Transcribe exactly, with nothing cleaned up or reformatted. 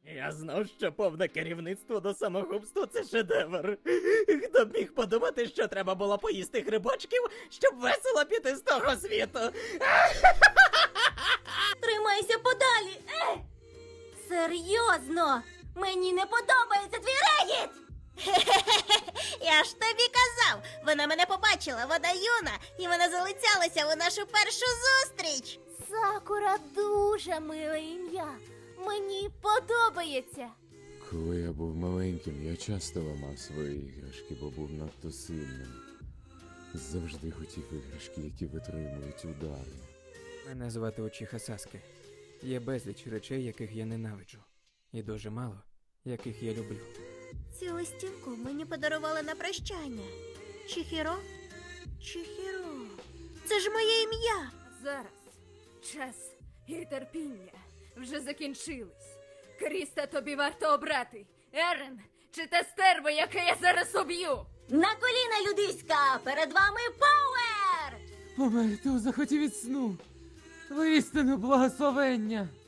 Я знав, що повне керівництво до самогубства – це шедевр. Хто б міг подумати, що треба було поїсти грибочків, щоб весело піти з того світу. Тримайся подалі! Е! Серйозно! Мені не подобається твій регіт! Я ж тобі казав! Вона мене побачила, вона юна, і вона залицялася у нашу першу зустріч! Сакура дуже миле ім'я. Мені подобається. Коли я був маленьким, я часто ламав свої іграшки, бо був надто сильним. Завжди хотів іграшки, які витримують удари. Мене звати Учіха Саске. Є безліч речей, яких я ненавиджу. І дуже мало, яких я люблю. Цю листівку мені подарували на прощання. Чихіро? Чихіро. Це ж моє ім'я. Зараз час і терпіння вже закінчились. Кріста тобі варто обрати. Ерен чи те стерво, яке я зараз об'ю? На коліна, людиська! Перед вами Пауер! Померти у захоті від сну. Воістину благословення.